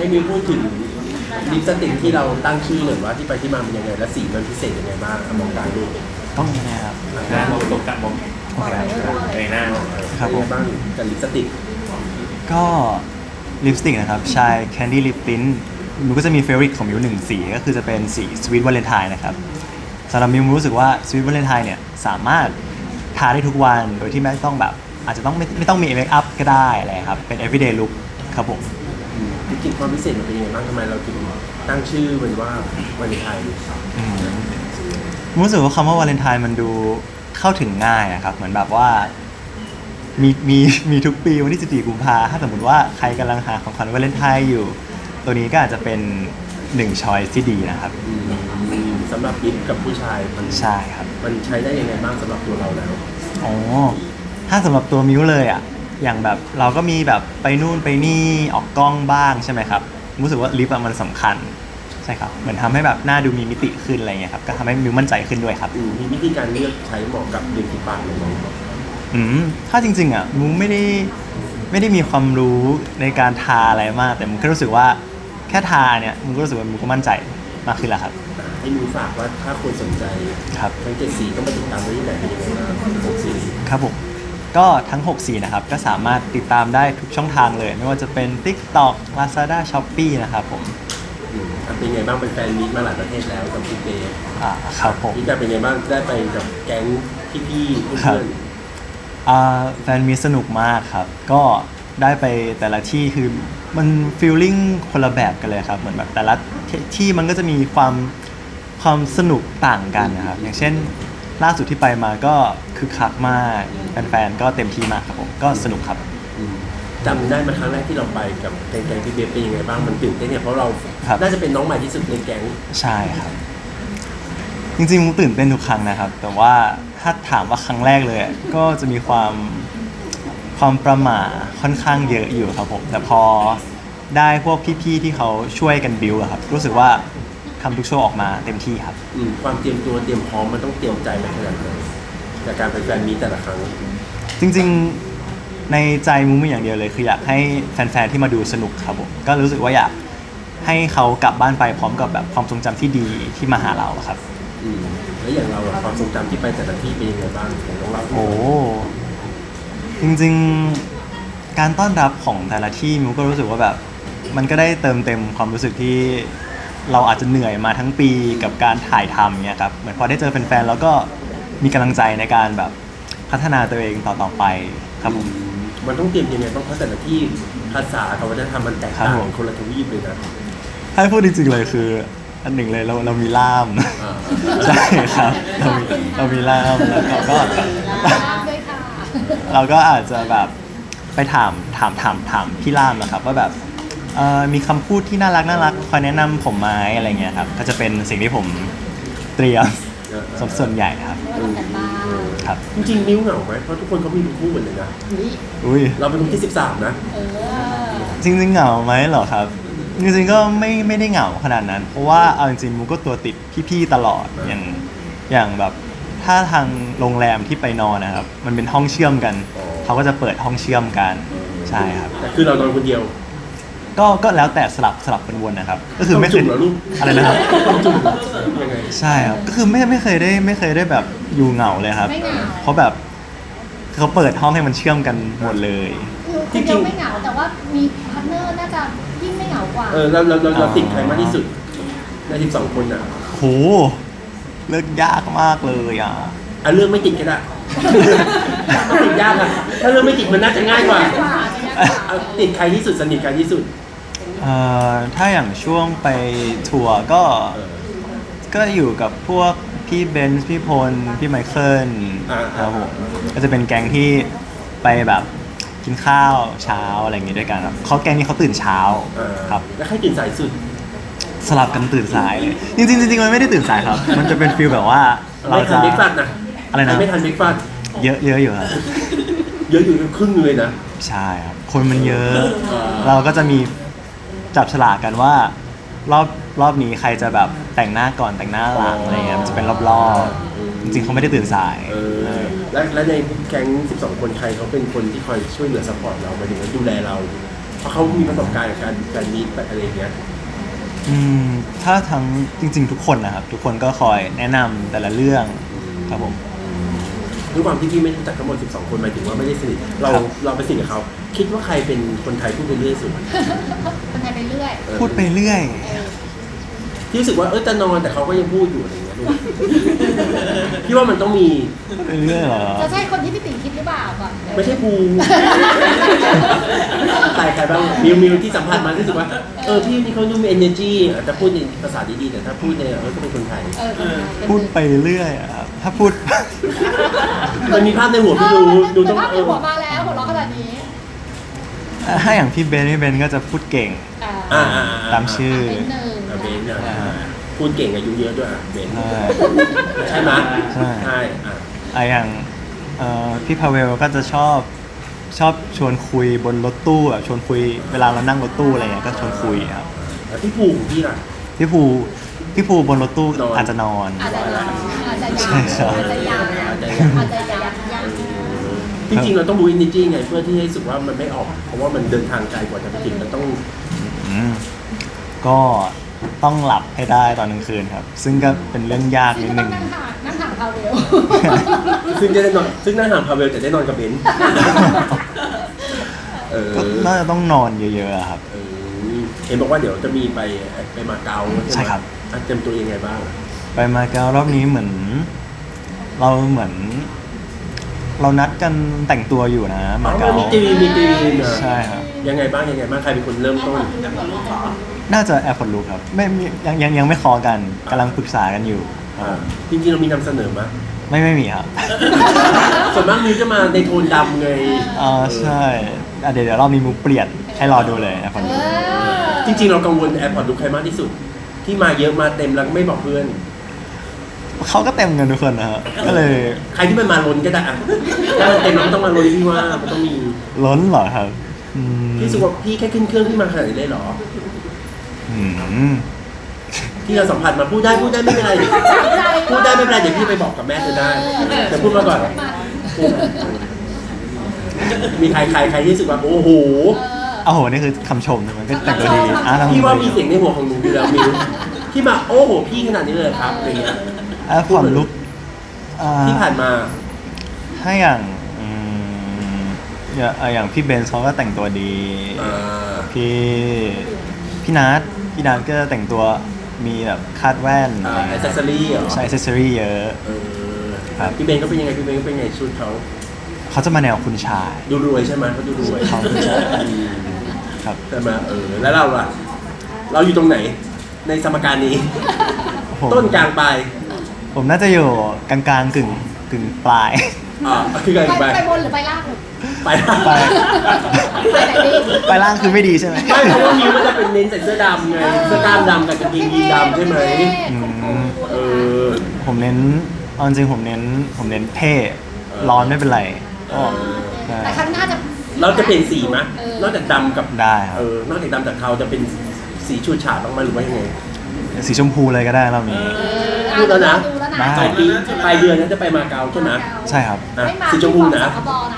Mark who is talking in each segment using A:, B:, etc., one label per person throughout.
A: ให้มิวพูดถึงลิปสติกที่เราตั้งชื่อหน่อยว่าที่ไปที่มาเป็นยังไงและสีมันพิเศษยังไงบ้างมองการดู
B: ต้องยังไงครับ
C: หน้ามองตรงกลางมอง
B: โอเค
C: ในหน้า
B: ครับ
A: เป็น
B: ผ
A: ยัง
B: ม
A: ไงบ้างกับลิปสติก
B: ก็ลิปสติกนะครับชาย Candy Lip Tint มิวก็จะมีเฟเวอริตของมิวหนึ่งสีก็คือจะเป็นสี Sweet Valentine นะครับสำหรับมิวรู้สึกว่า Sweet Valentine เนี่ยสามารถทาได้ทุกวันโดยที่ไม่ต้องแบบอาจจะต้องไม่ต้องมีเมคอัพก็ได้อะไรครับเป็น everyday look ครับผม
A: จริงๆความพิเศษมันเป็นยังไงบ้างทำไมเราถึงตั้งชื่อมันว่าวันไทย
B: รู้สึกว่าคำว่าวาเลนไทน์มันดูเข้าถึงง่ายอะครับเหมือนแบบว่ามีทุกปีวันที่14กุมภาถ้าสมมติว่าใครกำลังหาของขวัญวาเลนไทน์อยู่ตัวนี้ก็อาจจะเป็นหนึ่งช้อยที่ดีนะครับ
A: สำหรับลิปกับผู้ชายมัน
B: ใช่ครับ
A: มันใช้ได้ยังไงบ้างสำหรับตัวเราแล้ว
B: อ๋อถ้าสำหรับตัวมิวเลยอะอย่างแบบเราก็มีแบบไปนู่นไปนี่ออกกล้องบ้างใช่ไหมครับรู้สึกว่าลิปอะมันสำคัญใช่ครับเหมือนทำให้แบบหน้าดูมีมิติขึ้นอะไรเงี้ยครับก็ทำให้มิวมั่นใจขึ้นด้วยครับ
A: มีวิธีการเลือกใช้เหมาะกับริมฝีปากเลยไหม
B: ถ้าจริงๆอ่ะมูไม่ได้มีความรู้ในการทาอะไรมาก แต่มูแค่รู้สึกว่าแค่ทาเนี่ยมูก็รู้สึกว่ามูก็มั่นใจมากขึ้นแล้วครับ
A: ให้มิวฝากว่าถ้าคนสนใจ
B: ครับ
A: ทั้ง7สีต้องไปติดตามได้ที่ไหนเป็นยังไงบ้าง6สี
B: ครับผมก็ทั้ง6สีนะครับก็สามารถติดตามได้ทุกช่องทางเลย ไม่ว่าจะเป็น TikTok Lazada Shopee นะครับผม
A: เป็นยังไงบ้างเป็นแฟนมีตมาหลายประเทศแล้วกับพี่เต้
B: ครับผม
A: พี่แต่เป็นยังไงบ้างได้ไปกับแก๊งพี่ๆเพื่
B: ครั
A: อบ น
B: แฟนมีสนุกมากครับ ก็ได้ไปแต่ละที่คือมันฟีลลิ่งคนละแบบกันเลยครับ เหมือนแบบแต่ละที่มันก็จะมีความสนุกต่างกันนะครับ อย่างเช่นล่าสุดที่ไปมาก็คือคักมากแฟนๆก็เต็มที่มากครับผมก็สนุกครับ
A: จำได้มาครั้งแรกที่เราไปกับแก๊งพี่เบฟเป็นยังไงบ้างมันตื่นเต้นเนี่ยเพราะเรา
B: ครับ
A: น่าจะเป็นน้องใหม่ที่สุดในแก๊ง
B: ใช่ครับ จริงๆมุกตื่นเต้นทุกครั้งนะครับ แต่ว่าถ้าถามว่าครั้งแรกเลยก็จะมีความประหม่าค่อนข้างเยอะอยู่ครับผมแต่พอได้พวกพี่ๆที่เขาช่วยกันบิวอะครับรู้สึกว่าทำทุกโชว์ออกมาเต็มที่ครับ
A: ความเตรียมตัวเตรียมพร้อมมันต้องเตรียมใจไปขนาดไหนจากการเป็นแฟนมีตแต่ละครั้ง
B: จริงๆในใจมุกมีอย่างเดียวเลยคืออยากให้แฟนๆที่มาดูสนุกครับผมก็รู้สึกว่าอยากให้เขากลับบ้านไปพร้อมกับแบบความทรงจำที่ดีที่มาหาเราอะครับ
A: แล้วอย่างเราอะความทรงจำที่ไปแต่ละที่เป็นยังไงบ้างของน้องเราที่
B: โอ้จริงๆการต้อนรับของแต่ละที่มิวก็รู้สึกว่าแบบมันก็ได้เติมเต็มความรู้สึกที่เราอาจจะเหนื่อยมาทั้งปีกับการถ่ายทำเนี่ยครับเหมือนพอได้เจอแฟนๆแล้วก็มีกำลังใจในการแบบพัฒนาตัวเองต่อๆไปครับผม
A: มันต้องเตรียมยังไงบ้างเพราะแต่ละที่ภาษากับวัฒนธรรมมันแตก
B: ครั
A: ต่า
B: บ
A: ง
B: ผม
A: คนละทวีปเลยนะ
B: ให้พูดจริงๆเลยคืออันหนึ่งเลยเรามีล่าม
A: อ่า
B: ใช่ครับเรามีล่ามแล้วก็
D: ด้วยค่ะ
B: เราก็อาจจะแบบไปถามพี่ล่ามนะครับว่าแบบมีคำพูดที่น่ารักคอยแนะนำผมไหมอะไรเงี้ยครับก็จะเป็นสิ่งที่ผมเตรียมส่วนใหญ่ครับ
D: เรื่องกันบ้าง
B: ครับ
A: จริงๆมิ้วเหงาไหมเพราะทุกคนเขามีคู่หมดเลยนะ
D: อุ๊ย
B: อุ้ย
A: เราเป็นคนที่13นะ
D: เออ
B: จริงๆเหงาไหมเหรอครับจริงๆก็ไม่ได้เหงาขนาดนั้น เพราะว่าเอาจริงๆมูก็ตัวติดพี่ๆตลอดอย่างแบบถ้าทางโรงแรมที่ไปนอนนะครับมันเป็นห้องเชื่อมกันเขาก็จะเปิดห้องเชื่อมกันใช่ครับ
A: แต่คือเรานอนคนเดียว
B: ก็แล้วแต่สลับกันวนนะครับ ก็คือไม่เค
A: จุ่
B: ย
A: มเหรอลูก
B: อะไรนะครับ
A: ต้องจุ่มยังไง
B: ใช่ครับก็คือไม่เคยได้แบบอยู่เหงาเลยครับ
D: ไม่เหงา
B: เพราะแบบเขาเปิดห้องให้มันเชื่อมกันหมดเลย
D: คือคนเดียวไม่เหงาแต่ว่ามีพาร์ทเนอร์น่าจะยิ่งไม่เหงากว่า
A: เราติดใครมากที่สุดใน12คนอ่ะ
B: โหเลือกยากมากเลยอ่ะ
A: เรื่องไม่ติดก็ได้ ถ้าติดยากอ่ะถ้าเรื่องไม่ติดมันน่าจะง่ายกว่าเอาติดใครที่สุดสนิทใครที่สุด
B: ถ้าอย่างช่วงไปทัวร์ก็อยู่กับพวกพี่เบนซ์พี่พลพี่ไมเคิลครับผมก็จะเป็นแก๊งที่ไปแบบกินข้าวเช้าอะไรอย่างงี้ด้วยกันครับเขาแก๊งนี้เขาตื่นเช้าครับ
A: แล้วใครตื่นสายสุด
B: สลับกันตื่นสายเลยจริงๆมันไม่ได้ตื่นสายครับ มันจะเป็นฟีลแบบว่าเรา
A: ไม่ทั
B: จะ
A: นเบรกฟาสต์นะ
B: อะไรนะ
A: ไม่ทันเบรกฟาสต์
B: เยอะอยู่ครับ
A: เยอะอยู่ครึ่งเลยนะ
B: ใช่ครับคนมันเยอะ เราก็จะมีจับฉลากกันว่ารอบนี้ใครจะแบบแต่งหน้าก่อนแต่งหน้าหลังอะไรเงี้ยมันจะเป็นรอบๆจริงๆเขาไม่ได้ตื่นสาย
A: และในแก๊ง12 คนใครเขาเป็นคนที่คอยช่วยเหลือซัพพอร์ตเราหมายถึงว่าดูแลเราเพราะเขามีประสบการณ์กับการมีแบบอะไรอย่างเงี้ย
B: อืมถ้าทั้งจริงๆทุกคนนะครับ ทุกคนก็คอยแนะนำแต่ละเรื่องครับผม
A: ด้วยความที่พี่ไม่รู้จักทั้งหมด12 คนหมายถึงว่าไม่ได้สนิทเรา
B: ครับ
A: เราไปสนิทกับเขาคิดว่าใครเป็นคนไทยพูดไปเรื่อยสุด
D: คนไทยไปเรื่อย
B: พูดไปเรื่อย
A: ที่รู้สึกว่าจะนอนแต่เขาก็ยังพูดอยู่อะไรอย่างเงี้ยลูกพี่ว่ามันต้องมี
B: พูดไปเรื่อยเหรอ
D: จะใช่คนที่พี่ติ๋งคิดหรือเปล่าก่อน
A: ไม่ใช่ภูใครบ้างมิวที่สัมผัสมารู้สึกว่าพี่นี่เขาดูมี energy อาจจะพูดในภาษาดีๆแต่ถ้าพูดในก็เป็นคนไทย
B: พูดไปเรื่อยอะครับถ้าพูด
A: มันมีภาพในหัวพี่ดูต้อง
D: ภาพในหัวมาแล้วหัวเราะขนาดนี้
B: ถ้าอย่างพี่เบนพี่เบนก็จะพูดเก่ง ตามชื่อ
D: เป็นหนึ่ง
A: เบนเนี่ยพูดเก่งอายุเยอะด้วยเบน
B: ใช่
A: ใช่ไหม
B: ใช่
A: ใช่
B: อย่างพี่พาเวลก็จะชอบชวนคุยบนรถตู้แบบชวนคุยเวลาเรานั่งรถตู้อะไรเงี้ยก็ชวนคุยครับ
A: แล้วพี่ภูของพี่ล่ะ
B: พี่ภูบนรถตู้
A: นอน
B: อาจจะนอน
D: อาจจะยาวอาจจะ
B: ใช่
D: ยาว
B: ครับ
D: อาจจะยาว
A: อาจจะ
D: อาจจะยาว
A: จริงๆเราต้องบูอินดิจี้ไงเพื่อที่ให้รู้สึกว่ามันไม่ออก เพราะว่ามันเดินทางไกลกว่าจะไปถึงมันต้อง
B: อืมก็ต้องหลับให้ได้ตอนกลางคืนครับ ซึ่งก็เป็นเรื่องยาก
D: ซึ่ง
B: นิด
D: ก็
B: นึ
D: ต้อง
B: ง
D: นั่งห่างเขาเร็ว
A: ซึ่งจะได้นอนซึ่งนั่งห่างพาเวลแต่ได้นอนกับเบนซ์
B: ก็น่าจะต้องนอนเยอะๆอะครับ
A: เห็นบอกว่าเดี๋ยวจะมีไปมาเก๊า
B: ใช่ครับ
A: เตรียมตัวยังไงบ้าง
B: ไปมาเก๊ารอบนี้เหมือน เรานัดกันแต่งตัวอยู่นะมาเก๊า
A: มีตีมนะ
B: ใช่ครับ
A: ยังไงบ้างใครเป็นคนเริ่มต้น
B: น่าจะแอร์พอร์ตลูครับไม่มียังไม่คอกันกำลังปรึกษากันอยู่ครับผม
A: จริงๆเรามีนำเสนอมั้ย
B: ไม่มีครับ
A: ส่วนมากมิวจะมาในโทนดำไง
B: ใช่เดี๋ยวรอบนี้มูเปลี่ยนให้รอดูเลยแอร์พอร์ตลู
A: จริงๆเรากังวลแอร์พอร์ตลูใครมากที่สุด ที่มาเยอะมาเต็มแล้วไม่บอกเพื่อน
B: เขาก็เต็มกันทุกคนนะครับก็เลย
A: ใครที่มันมาล้นก็ได้อะถ้ามันเต็มแล้วมันต้องมาล้นพี่ว่ามันต้องมี
B: ล้นเหรอครับอืม
A: พี่รู้สึกว่าพี่แค่ขึ้นเครื่องพี่มาขนาดนี้เลยเหรอ
B: อืม
A: ที่เราสัมผัสมาพูดได้ไม่เป็นไรพูดได้ไม่เป็นไรเดี๋ยวพี่ไปบอกกับแม่เธอได้แต่พูดมาก่อนมีใครที่รู้สึกว่าโอ้โห
B: โอ้โหนี่คือคำชมนะมันก็แต่งตัวดีทำ
A: พี่ว่า
B: ดี
A: มีเสียงในหัวของหนูอยู่แล้วมิวที่มาโอ้โหพี่ขนาดนี้เลยครับอะไรเงี้ย
B: แอร์พอร์ตลู
A: ที่ผ่านมา
B: ถ้าอย่างอย่างพี่เบนซ์เขาก็แต่งตัวดี พี่นัทก็แต่งตัวมีแบบคาดแว่นอะไร
A: แอ
B: เงี้
A: ค
B: ย
A: เซสซอรี่เหรอ
B: ใช้อ c เซสซอรี่เยอะ ครับ
A: พี่เบนก็เป็นยังไงพี่เบนก็เป็นยังไงชุดเขา
B: เขาจะมาแนวคุณชาย
A: ดูรวยใช่ไหมเขาดูรวย
B: เขาคุณชายครับ
A: แต่มาแล้วเราล่ะ เราอยู่ตรงไหนในสมการนี้
B: ผม
A: ต้นกลางปลาย
B: ผมน่าจะอยู่กลางๆกึ่งปลาย
A: คือไงไป
D: ไปบนหรือไปล่าง
A: ไป
B: ไป
D: ไปไหนดี
B: ไปล่างคือไม่ดีใช่ไหม
A: ไม่เพราะว่ามิวมันจะเป็นเน้นใส่เสื้อดำไงเสื้อกล้ามดำกับกางเกงยีนดำใช่ไหม
B: อืม
A: เออ
B: ผมเน้นเอาจริงผมเน้นเท่ร้อนไม่เป็นไรก็ใช่
D: แต่ครั้งหน้าจะ
A: เราจะเปลี่ยนสีมั้ยนอกจากดำกับ
B: ได้ครับ
A: นอกจากดำจากเทาจะเป็นสีฉูดฉาดบ้างไหมหรือว่ายังไง
B: สีชมพูเลยก็ได้รอบนี้
A: พูดแล้วนะ
D: ดูแล้วนะ
B: ได้
A: ปลายเดือนนั้นจะไปมาเก๊าใช่ไหม
B: ใช่ครับ
D: ไม่มา
A: สีชมพูนะ
D: สคบนะ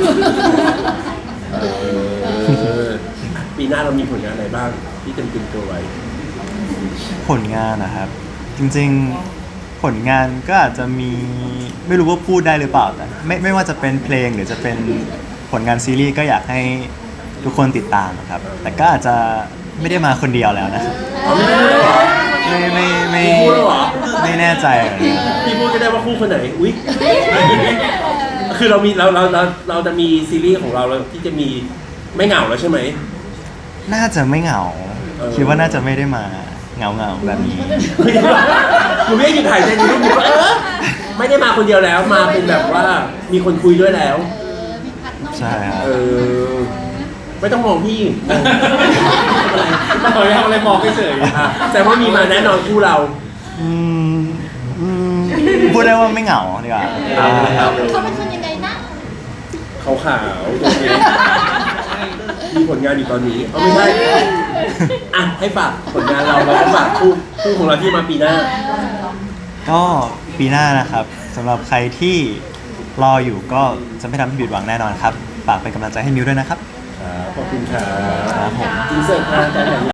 A: ปีหน้าเรามีผลงานอะไรบ้างที่เต็มตัวไว้
B: ผลงานนะครับ จริงๆผลงานก็อาจจะมีไม่รู้ว่าพูดได้หรือเปล่าแต่ไม่ว่าจะเป็นเพลงหรือจะเป็นผลงานซีรีส์ก็อยากให้ทุกคนติดตามนะครับ แต่ก็อาจจะไม่ได้มาคนเดียวแล้วนะ
A: เอาไม่พูดแล้วเหรอ
B: ไม่
A: พูดแล้วเหรอ
B: ไม่แน่ใจเหมือนกัน
A: พี่พูดก็ได้ว่าคู่คนไหน อุ๊ย คือเราจะมีซีรีส์ของเราที่จะมีไม่เหงาแล้วใช่ไหม
B: น่าจะไม่เหงา คิดว่าน่าจะไม่ได้มาเหงาแบบนี้
A: หนูไม่ได้หยุดหายใจหนูรู้ว่าไม่ได้มาคนเดียวแล้วมาเป็นแบบว่ามีคนคุยด้วยแล้ว
D: มีพัดน้อง
B: ใช่ครับ
A: ไม่ต้องมองพี่
C: ไม่เคยทำอะไรมองเฉย
A: แต่ว่ามีมาแน่นอนคู่เรา
B: อืมพูดได้ว่าไม่เหงาดีกว่า
D: เขาเป็นคนยังไงนะ
A: ขาวๆตัวนี้มีผลงานอยู่ตอนนี้เอาไม่ใช่อ่ะให้ฝากผลงานเราแล้วก็ฝากคู่ของเราที่มาปีหน้า
B: ก็ปีหน้านะครับสำหรับใครที่รออยู่ก็จะไม่ทำให้ผิดหวังแน่นอนครับ ฝากเป็นกำลังใจให้มิวด้วยนะครับ
A: ครับขอบคุณครับ
B: ครับผม
A: อินเสิร์ตทางการไหน